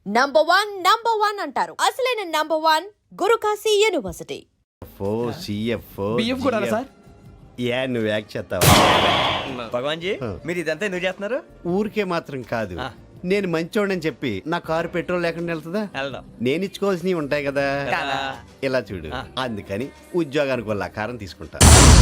Number one అంటారు. అసలైన number one Guru Kashi university. బియ్యం కూడా సార్. నువ్వు యాక్ట్ చేస్తావా? భగవాన్ జీ మీరు ఇదంతా ఎందుకు చేస్తున్నారు? ఊరికే మాత్రం కాదు, నేను మంచోడని చెప్పి నా కారు పెట్రోల్ లేకుండా వెళ్తుందా? వెళ్దాం. నేను ఇచ్చుకోవాల్సినవి ఉంటాయి కదా, కదా. ఇలా చూడు. అందుకని ఉద్యోగానికి వాళ్ళ ఆకారం తీసుకుంటా.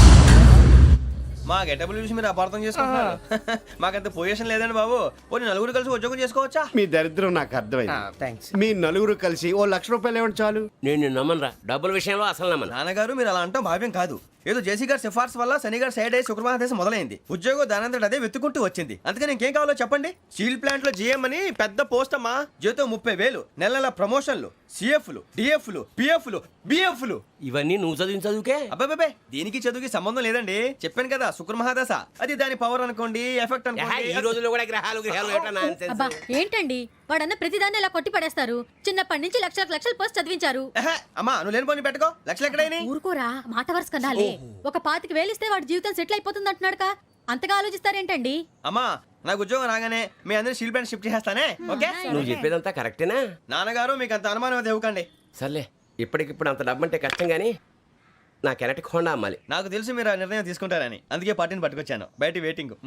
మా గెటబుల్ చూసి మీరు అపార్థం చేసుకుంటున్నారు. మాకంత పొజిషన్ లేదండి బాబు. పోనీ నలుగురు కలిసి ఉద్యోగం చేసుకోవచ్చా? మీ దరిద్రం నాకు అర్థమైంది. మీ నలుగురు కలిసి ₹1,00,000 ఇవ్వండి చాలు. నేను నమ్మనరా, డబ్బుల విషయంలో అసలు నమ్మను. నాన్నగారు మీరు అలా అంటాం భావ్యం కాదు. ఏదో జేసీ గారి సిఫార్సు వల్ల శని గారు సైడ్ అయ్యి శుక్రవారం మొదలైంది. ఉద్యోగం దానంతటి అదే వెతుకుంటూ వచ్చింది. అందుకని ఇంకేం కావాలో చెప్పండి. స్టీల్ ప్లాంట్ లో జీఎం అని పెద్ద పోస్ట్ అమ్మా. జీతం 30,000, నెల నెల ప్రమోషన్లు, సిఎఫ్లు, డిఎఫ్లు, పిఎఫ్లు, బిఎఫ్లు. ఇవన్నీ నువ్వు చదివిన చదువుకే? అబ్బాబే దీనికి చదువుకి సంబంధం లేదండి. చెప్పాను కదా శుక్ర మహాదశ. అది దాని పవర్ అనుకోండి, ఎఫెక్ట్ అనుకోండి. ఈ రోజుల్లో కూడా గ్రహాలు అబ్బా ఏంటండి వాడన్న ప్రతిదాన్ని ఇలా కొట్టి పడేస్తారు. చిన్నప్పటి నుంచి లక్షల పోస్ట్ చదివించారు. అమ్మా నువ్వు లేని పోనీ పెట్టుకో. లక్షలు ఎక్కడైనా ఊరుకోరా, మాట వరుస కదాలే. ఒక 25,000 ఇస్తే వాడి జీవితం సెటిల్ అయిపోతుంది అంటున్నాడుగా. అంతగా ఆలోచిస్తారేంటండి? అమ్మా నాకు ఉద్యోగం రాగానే మీ అందరూ స్టీల్ ప్లాంట్ షిఫ్ట్ చేస్తానే. ఓకే నువ్వు చెప్పేదంతా కరెక్టేనా? నాన్నగారు మీకు అంత అనుమానం అయితే ఇవ్వకండి. సర్లే, ఇప్పటికిప్పుడు అంత డబ్బు అంటే కష్టం గానీ నా కెనటిక్ హోండా అమ్మాలి. నాకు తెలుసు మీరు ఆ నిర్ణయం తీసుకుంటారని, అందుకే పార్టీని పట్టుకొచ్చాను. బయట వెయిటింగ్.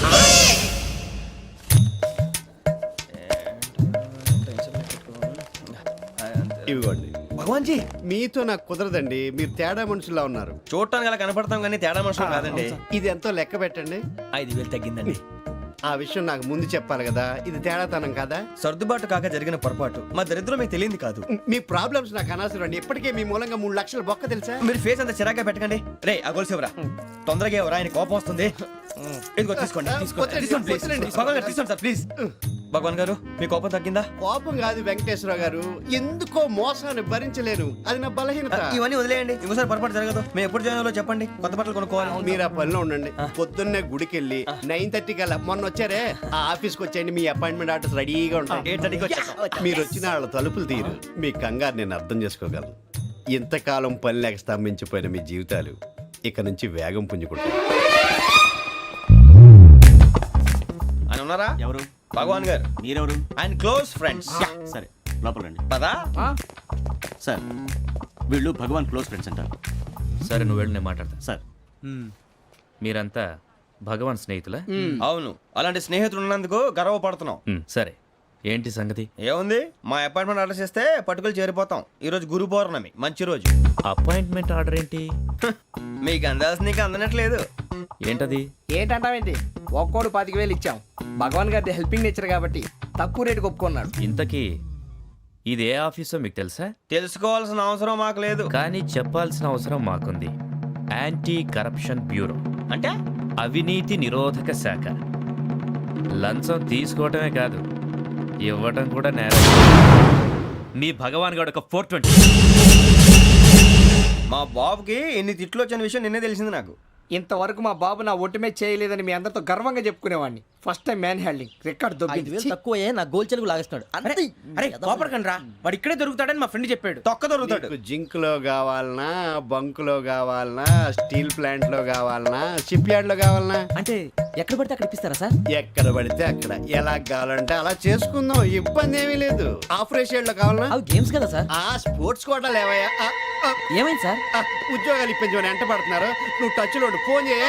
ఇవ్వండి. భగవాన్ జీ మీతో నాకు కుదరదండి, మీరు తేడా మనుషుల్లా ఉన్నారు. చూడటానికి అలా కనపడతాం కానీ తేడా మనుషులు కాదండి. ఇది ఎంతో లెక్క పెట్టండి. 5,000 తగ్గిందండి. ఆ విషయం నాకు ముందు చెప్పాలి కదా, ఇది తేడాతనం కదా. సర్దుబాటు కాక జరిగిన పొరపాటు. మా దరిద్రం మీకు తెలియంది కాదు. మీ ప్రాబ్లమ్స్ నాకు అనవసరం అండి. ఇప్పటికే మీ మూలంగా 3 లక్షల బొక్క తెలుసా? మీరు ఫేస్ అంత చిరాగ్గా పెట్టకండి. రే ఆ గొలుసేవరా, తొందరగా ఎవరా, ఆయన కోపం వస్తుంది. ఇదిగో తీసుకోండి. తీసుకోండి ప్లీజ్. భగవాన్ గారు తీసుకోండి సార్ ప్లీజ్. భగవాన్ గారు మీ కోపం తగ్గిందా? కోపం కాదు వెంకటేశ్వర గారు, ఎందుకో మోసాన్ని భరించలేను, అది నా బలహీనత. ఇవన్నీ వదిలేయండి, ఇంకోసారి పొరపాటు జరగదు. మేము ఎప్పుడు జాయిన్ అవ్వాలో చెప్పండి, కొత్త బట్టలు కొనుక్కోవాలి. మీరు ఆ పనిలో ఉండండి. పొద్దున్నే గుడికి వెళ్ళి 9:30 కల్లా, మొన్న వచ్చారే ఆ ఆఫీస్కి వచ్చేయండి. మీ అపాయింట్మెంట్ ఆర్డర్స్ రెడీగా ఉంటాయి. 8:30కి వచ్చేస్తాం. మీరు వచ్చిన వాళ్ళ తలుపులు తీరు. మీ కంగారు నేను అర్థం చేసుకోగలను. ఇంతకాలం పని లేక స్తంభించిపోయిన మీ జీవితాలు ఇక నుంచి వేగం పుంజుకుంటాయి. ఆయన ఉన్నారా? ఎవరు? భగవాన్ గారు. మీరెవరు? ఆయన క్లోజ్ ఫ్రెండ్స్. సరే లోపల రండి. పదా సార్ వీళ్ళు భగవాన్ క్లోజ్ ఫ్రెండ్స్ అంటారు. సరే నువ్వు వెళ్ళి నేను మాట్లాడతా. సార్ మీరంతా భగవాన్ స్నేహితులా? అవును, అలాంటి స్నేహితులు ఉన్నందుకు గర్వపడుతున్నాం. సరే ఏంటి సంగతి? ఏముంది, మా అపాయింట్మెంట్ ఆర్డర్ చేస్తే పట్టుకులు చేరిపోతాం. ఈ రోజు గురు పౌర్ణమి, మంచి రోజు. అపాయింట్మెంట్ ఆర్డర్ ఏంటి? మీకు అందాల్సిన నీకు అందనట్లేదు. ఏంటది? ఏంటంటావేంటి? ఒక్కోడు 25,000 ఇచ్చాం. భగవాన్ గారి హెల్పింగ్ నేచర్ కాబట్టి తక్కువ రేటుకి ఒప్పుకున్నాడు. ఇంతకీ ఇది ఏ ఆఫీసో మీకు తెలుసా? తెలుసుకోవాల్సిన అవసరం మాకు లేదు, కానీ చెప్పాల్సిన అవసరం మాకుంది. యాంటీ కరప్షన్ బ్యూరో అంటే అవినీతి నిరోధక శాఖ. లంచం తీసుకోవటమే కాదు, ఇవ్వటం కూడా నేరం. మీ భగవాన్ గారు ఒక 420. మా బాబుకి ఎన్ని తిట్లు వచ్చిన విషయం నిన్నే తెలిసింది నాకు. ఇంతవరకు మా బాబు నా ఒట్టుమే చేయలేదని మీ అందరితో గర్వంగా చెప్పుకునేవాడిని. ఫస్ట్ టైం మ్యాన్ హ్యాండింగ్ రికార్డ్ దొబ్బింది. తక్కువ నా గోల్ చెలుగు లాగేస్తున్నాడు. అరే కోపడకండి రా, వాడు ఇక్కడే దొరుకుతాడని మా ఫ్రెండ్ చెప్పాడు. తొక్క దొరుకుతాడు. జింక్ లో కావాలనా, బంక్ లో కావాలనా, స్టీల్ ప్లాంట్ లో కావాలనా, షిప్ యార్డ్ లో కావాలనా, అంటే ఎక్కడ పడితే అక్కడ ఇప్పిస్తారా సార్? ఎక్కడ పడితే అక్కడ, ఎలా కావాలంటే అలా చేసుకుందాం, ఇబ్బంది ఏమీ లేదు. ఆఫరేషియడ్ లో కావాలనా? అవి గేమ్స్ కదా సార్. ఆ స్పోర్ట్స్ కోటా లేవయ్యా. ఏమైంది సార్? ఉద్యోగాలు ఇప్పించమని ఎంట పడుతున్నారు. నువ్వు టచ్ లో ఫోన్ చేయ.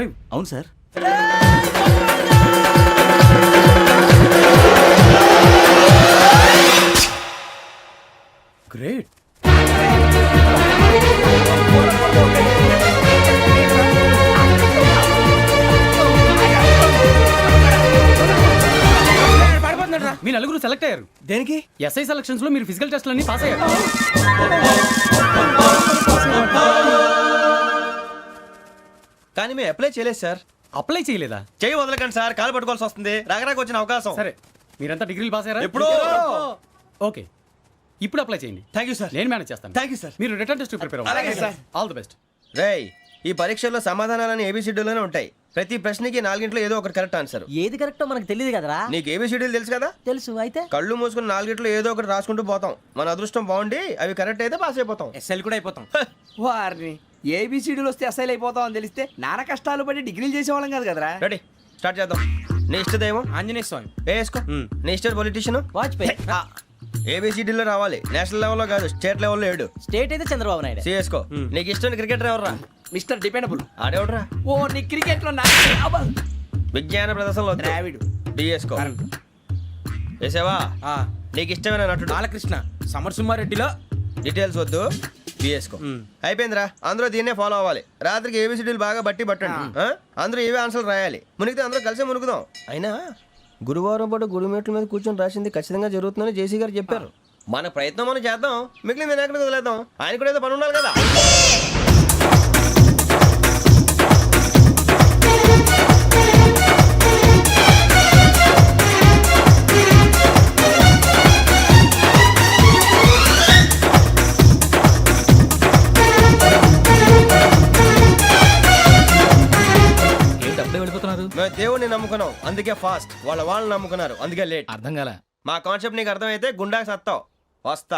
5. అవును సార్. గ్రేట్. మీ నలుగురు సెలెక్ట్ అయ్యారు. దేనికి? ఎస్ఐ సెలక్షన్స్ లో మీరు ఫిజికల్ టెస్ట్ అన్ని పాస్ అయ్యారు. కానీ మేము అప్లై చేయలేదు సార్. అప్లై చేయలేదా? చేయి వదలకండి సార్, కాలు పట్టుకోవాల్సి వస్తుంది. రాగరాకు వచ్చిన అవకాశం. సరే, మీరంతా డిగ్రీలు పాస్ అయ్యారా? ఎప్పుడో. ఓకే, ఇప్పుడు అప్లై చేయండి. Thank you sir. నేను మేనేజ్ చేస్తాను. Thank you sir. మీరు రిటర్న్ టెస్ట్ ప్రిపేర్ అలాగే అవ్వండి. సార్. All the best. రేయ్, ఈ పరీక్షల్లో సమాధానాలని ఏబిసిడ్యూల్లోనే ఉంటాయి. ప్రతి ప్రశ్నకి 4 ఏదో ఒకటి కరెక్ట్ ఆన్సర్. ఏది కరెక్టో మనకు తెలియదు కదరా. నీకు ఏబిసిడ్యూల్ తెలుసు కదా? తెలుసు. అయితే కళ్ళు మూసుకుని 4 ఏదో ఒకటి రాసుకుంటూ పోతాం. మన అదృష్టం బాగుండి అవి కరెక్ట్ అయితే పాస్ అయిపోతాం. ఎస్ఎల్ కూడా అయిపోతాం. వారిని ఏబిసిడీలు వస్తే అసైల్ అయిపోతాం అని తెలిస్తే నాన్న కష్టాలు పడి డిగ్రీలు చేసేవాళ్ళం కాదు కదరా. రెడీ, స్టార్ట్ చేద్దాం. నీ ఇష్టదేమం ఆంజనేయ స్వామి. వేసుకో. నీ ఇష్ట పొలిటీషియన్ వాజ్పేయి. ఏబిసిడీలో రావాలి. నేషనల్ లెవెల్లో కాదు, స్టేట్ లెవెల్లో 7. స్టేట్ అయితే చంద్రబాబు నాయుడు. సిఎస్కో. నీకు ఇష్టం క్రికెటర్ ఎవర్రా? Mister dependable. ఆడేవడరా? ఓ నీ క్రికెట్ లో విజ్ఞాన ప్రదర్శనలో ద్రావిడు. డిఎస్కో. వేసావా? నీకు ఇష్టమైన నటుడు? బాలకృష్ణ. సమర్ సుమారెడ్డిలో డీటెయిల్స్ వద్దు, బిఎస్కో. అయిపోయిందిరా. అందరూ దీన్నే ఫాలో అవ్వాలి. రాత్రికి ఏబిసిడీలు బాగా బట్టి పట్టండి. అందరూ ఏవే ఆన్సర్లు రాయాలి. మునిగితే అందరూ కలిసి మునుగుదాం. అయినా గురువారం పాటు గురుమేట్ల మీద కూర్చొని రాసింది ఖచ్చితంగా జరుగుతుందని జేసీ గారు చెప్పారు. మన ప్రయత్నం మనం చేద్దాం, మిగిలింది నేను ఎక్కడికి వదిలేద్దాం. ఆయన కూడా ఏదో పని ఉండాలి కదా. ఏంటి అప్పుడే వెళ్ళిపోతున్నారు? మేము దేవుడిని నమ్ముకున్నాం, అందుకే ఫాస్ట్. వాళ్ళని నమ్ముకున్నారు, అందుకే లేట్. అర్థం కాల. మా కాన్సెప్ట్ నీకు అర్థమైతే గుండాకి సత్తావు. వస్తా.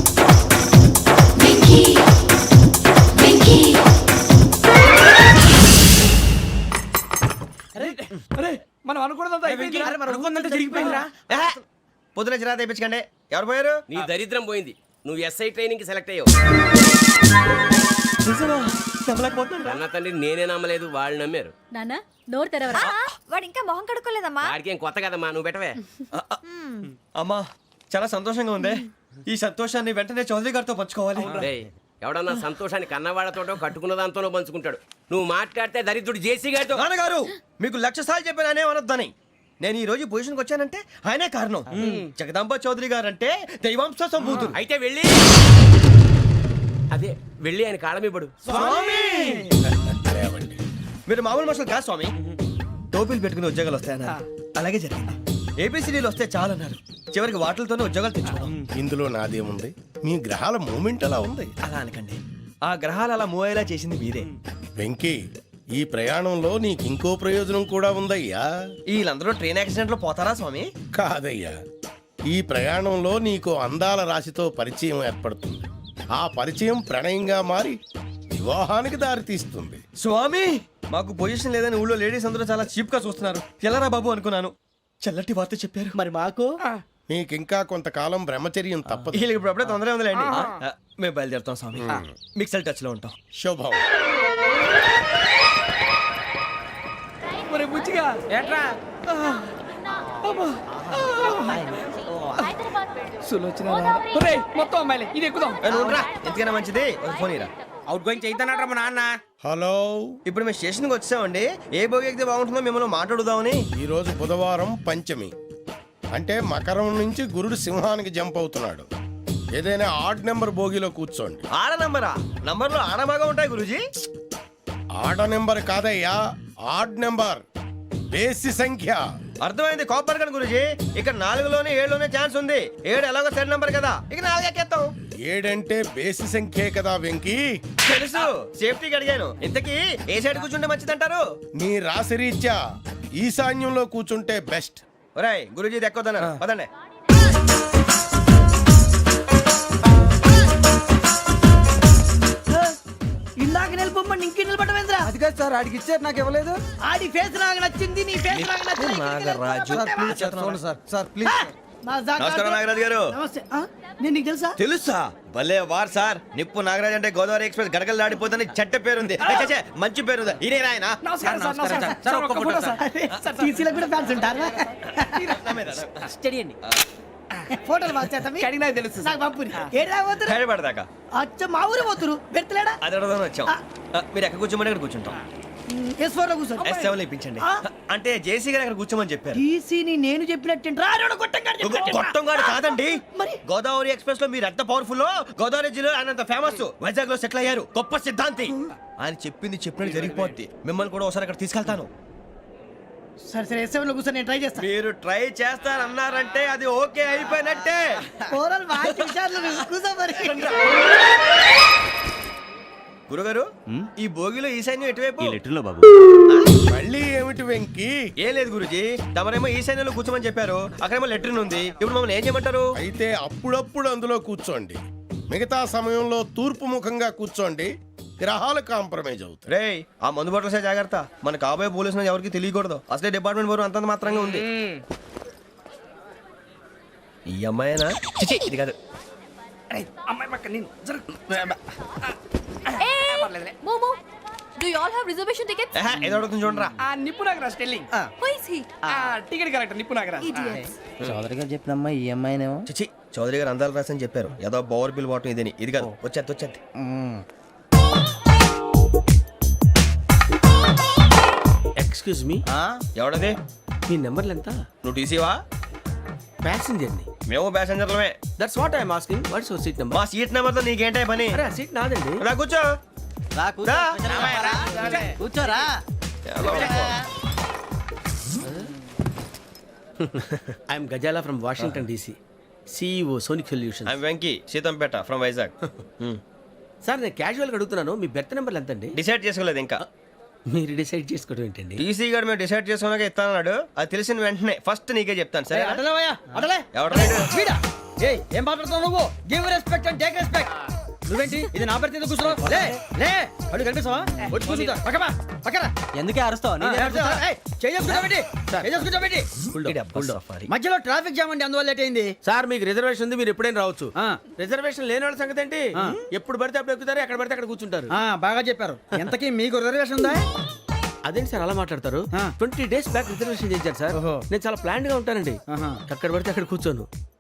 అరే మనం అనుకున్నదంతా అయిపోయింది. జరిగిపోయిందిరా. పొద్దున చిరా తెప్పించకండి. ఎవరు పోయారు? నీ దరిద్రం పోయింది. నువ్వు ఎస్ఐ ట్రైనింగ్ సెలెక్ట్ అయ్యావు. అన్న తండ్రి నేనే నమ్మలేదు, వాళ్ళు నమ్మారు. నాన్న నోరు తెరవరా. వాడు ఇంకా మొహం కడుక్కోలేదమ్మా. వాడికి ఏం కొత్త కదమ్మా, నువ్వు పెట్టవే. అమ్మా, చాలా సంతోషంగా ఉంది. ఈ సంతోషాన్ని వెంటనే చౌదరి గారితో పంచుకోవాలి. డేయ్, ఎవడన్నా సంతోషాన్ని కన్నవాళ్లతోటో కట్టుకున్న దాంతోనో పంచుకుంటాడు. నువ్వు మాట్లాడితే దరిద్రుడు జేసీ గారితో. నాన్నగారు, మీకు 1,00,000 సార్లు చెప్పానే అనొద్దని. నేను ఈ రోజు పొజిషన్కి వచ్చానంటే ఆయనే కారణం. జగదాంబ చౌదరి గారు అంటే దైవాంశ సంభూతుడు. అయితే వెళ్ళి అదే వెళ్ళి ఆయన కాళ్ళమివ్వడు. స్వామి, మీరు మామూలు మనుషులు కాదు స్వామి. టోపీలు పెట్టుకుని ఉద్యోగాలు వస్తాయన్నారు, అలాగే జరిగింది. ఏబిసిడీలు వస్తే చాలన్నారు, చివరికి వాటిలతోనే ఉద్యోగాలు తెచ్చుకున్నాం. ఇందులో నాదేముంది? మీ గ్రహాల మూమెంట్ అలా ఉంది. అలా అనకండి, ఆ గ్రహాలు అలా మూవ్ అయ్యేలా చేసింది మీరే. వెంకీ, ఈ ప్రయాణంలో నీకు ఇంకో ప్రయోజనం కూడా ఉందయ్యా. వీళ్ళందరూ ట్రైన్ యాక్సిడెంట్ లో పోతారా స్వామి? కాదయ్యా, ఈ ప్రయాణంలో నీకు అందాల రాశితో పరిచయం ఏర్పడుతుంది. ఆ పరిచయం ప్రణయంగా మారి వివాహానికి దారితీస్తుంది. స్వామి, మాకు పొజిషన్ లేదని ఊళ్ళో లేడీస్ అందరూ చాలా చీప్ గా చూస్తున్నారు. ఎలారా బాబు అనుకున్నాను. చల్లటి వార్త చెప్పారు. మరి మాకు నీకింకా కొంతకాలం బ్రహ్మచర్యం తప్పదు. వీళ్ళకి ఇప్పుడు అప్పుడే తొందరగా ఉందిలేండి. మేము బయలుదేరుతాం స్వామి. మిక్సల్ టచ్ లో ఉంటాం. శుభం. మరి బుచ్చిగా ఏట్రా? సులోచన మొత్తం అమ్మాయిలే, ఇది ఎక్కుదాం. ఎందుకైనా మంచిది, ఒక ఫోన్ ఇరా. అవుట్ గోయింగ్ చేద్దానట్రా మా నాన్న. హలో, ఇప్పుడు మేము స్టేషన్కి వచ్చామండి. ఏ బోగి ఎక్కితే బాగుంటుందో మిమ్మల్ని మాట్లాడుదామని. ఈరోజు బుధవారం పంచమి, అంటే మకరం నుంచి గురుడు సింహానికి జంప్ అవుతున్నాడు. ఏదైనా ఆడ్ నెంబర్ బోగిలో కూర్చోండి. ఆడ నంబరా? నంబర్లో ఆడ బాగా ఉంటాయి గురూజీ. ఆడ నెంబర్ కాదయ్యా, ఆడ్ నెంబర్, బేసి సంఖ్య. అర్థమైంది, కాపర్ కన్ గురూజీ. ఇక్కడ 4లోనే 7లోనే ఛాన్స్ ఉంది. 7 ఎలాగో సెడ్ నంబర్ కదా, ఇక 4 ఎక్కేస్తాం. 7 అంటే బేసి సంఖ్యే కదా వెంకీ. తెలుసు, సేఫ్టీకి అడిగాను. ఇంతకీ ఏ సైడ్ కూర్చుంటే మంచిదంటారు? నీ రాశి రీత్యా ఈశాన్యంలో కూర్చుంటే బెస్ట్. ఒరేయ్, గురూజీ దెక్కొద్దన్నారు, పదండి. ఇందాక నిలబొమ్మని ఇంకే నిలబడమేంద్రా? అది కాదు సార్, ఆడికి ఇచ్చారు, నాకు ఇవ్వలేదు. ఆడి ఫేస్ నాకు నచ్చింది, నీ ఫేస్ నాకు నచ్చింది. Nagaraju, sir please. నమస్కారం నాగరాజు గారు. నమస్తే నేను నీకు తెలుసా తెలుసా? భలే వార్ సార్. నిప్పు నాగరాజ్ అంటే గోదావరి ఎక్స్ప్రెస్ గడగలు దాడిపోతుంది చెట్ట పేరుంది. ఏ, ఛే, ఛే, మంచి పేరుంది. ఈయన ఆయన నమస్కారం సార్ నమస్కారం సార్ ఒక్క ఫోటో సార్ సార్ టీసీలో కూడా ఫ్యాన్స్ ఉంటారా స్టడీ అండి. ఫోటోలు మార్చేస్తాం కడిగి నాకు తెలుసు నాకు పంపుని ఏడా పోతురు హైదరాబాద్ అచ్చ మా ఊరు పోతురు పెడతలేడా అది అడగదామని వచ్చాం. మీరు ఎక్కడ కూర్చోమని అక్కడ కూర్చుంటాం. S4 లో కూర్చో S7 ఇప్పించండి. అంటే జేసీ గారు అక్కడ కూర్చోమని చెప్పారు. టీసీని నేను చెప్పినట్టు గొట్టంగాడు కాదండి. మరి? గోదావరి ఎక్స్ప్రెస్ లో మీరు ఎంత పవర్ఫుల్, గోదావరి జిల్లా ఆయన ఫేమస్, వైజాగ్ లో సెటిల్ అయ్యారు, గొప్ప సిద్ధాంతి. ఆయన చెప్పింది చెప్పినట్టు జరిగిపోద్ది. మిమ్మల్ని కూడా ఒకసారి అక్కడ తీసుకెళ్తాను. సరే సరే S7 లో కూర్చో నేను ట్రై చేస్తాను మీరు ట్రై చేస్తారన్నారంటే అది ఓకే అయిపోయినట్టే. ఓవరాల్ బాగా చూశారు కూర్చో మరి గురుగారు, ఈ భోగిలో ఈశాన్యం ఎటువైపు? లెటర్లో బాబు మళ్ళీ ఏమిటి వెంకీ? ఏం లేదు గురుజీ, తమరేమో ఈశాన్యంలో కూర్చోమని చెప్పారు, అక్కడేమో లెట్రిన్ ఉంది. ఇప్పుడు మమ్మల్ని ఏం చేయమంటారు? అయితే అప్పుడప్పుడు అందులో కూర్చోండి, మిగతా సమయంలో తూర్పు ముఖంగా కూర్చోండి. గ్రహాలు కాంప్రమైజ్ అవుతాయి. రే, ఆ మందు బట్టలసే జాగ్రత్త. మన కాబోయే పోలీసులు ఎవరికి తెలియకూడదు. అసలే డిపార్ట్మెంట్ బోరు అంతంత మాత్రంగా ఉంది. ఈ అమ్మాయినా? చిచి, ఇది కాదు. అమ్మాయి పక్క నేను మోమో do you all have reservation tickets? ఏహే, ఏదో అడుగుతుంది చూడరా. Nippu Nagaraj telling who is he? Ticket correct Nippu Nagaraj idiots. Chowdary గారు చెప్పినమ్మా ఈ అమ్మాయినేమో. చిచి, చౌదరి గారు అందాలు రాసని చెప్పారు. ఏదో బోర్ బిల్ బాటం ఇదని. ఇది కాదు, వచ్చేది వచ్చేది. Excuse me, ఎవడది? మీ నెంబర్లు ఎంత? నువ్వు టీసీవా? ప్యాసింజర్ ని. మేము ప్యాసెంజర్లమే. That's what I'm asking. What's your seat number? మా సీట్ నెంబర్తో నీకేంటే పని? అరే ఆ సీట్ నాదండి. రా కూర్చో. రా. కూర్చోరా. I'm Gazala from Washington DC, CEO Sonic Solution. I'm Venky, Seethampeta from Vizag. Sir నేను క్యాజువల్గా అడుగుతున్నాను, మీ బెర్త్ నెంబర్లు ఎంత అండి? డిసైడ్ చేసుకోలేదు ఇంకా. మీరు డిసైడ్ చేసుకోవడం ఏంటండి? టీసీ గారు మేము డిసైడ్ చేసుకున్నాక ఇస్తానన్నాడు. అది తెలిసిన వెంటనే ఫస్ట్ నీకే చెప్తాను. సరే? అడలే ఎవడు రైడు? ఏం మాట్లాడుతున్నావు నువ్వు give respect and take respect నువ్వేంటి ఇది నా పరిస్థితి కూర్చున్నావు లే లే అడుగు కనిపిస్తావా వచ్చి కూర్చుంటా పక్కమా పక్కన ఎందుకే అరుస్తావు? మధ్యలో ట్రాఫిక్ జామ్ అండి అందువల్ల లేట్ అయింది సార్ మీకు రిజర్వేషన్ ఉంది, మీరు ఎప్పుడైనా రావచ్చు. రిజర్వేషన్ లేని వాళ్ళ సంగతి ఏంటి? ఎప్పుడు పడితే అప్పుడు ఎక్కుతారు, ఎక్కడ పడితే అక్కడ కూర్చుంటారు. బాగా చెప్పారు ఎంతకీ మీకు రిజర్వేషన్ ఉందా అదేంటి సార్ అలా మాట్లాడతారు? 20 days బ్యాక్ రిజర్వేషన్ చేశారు సార్. నేను చాలా ప్లాన్డ్ గా ఉంటానండి. అక్కడ పడితే అక్కడ కూర్చోను.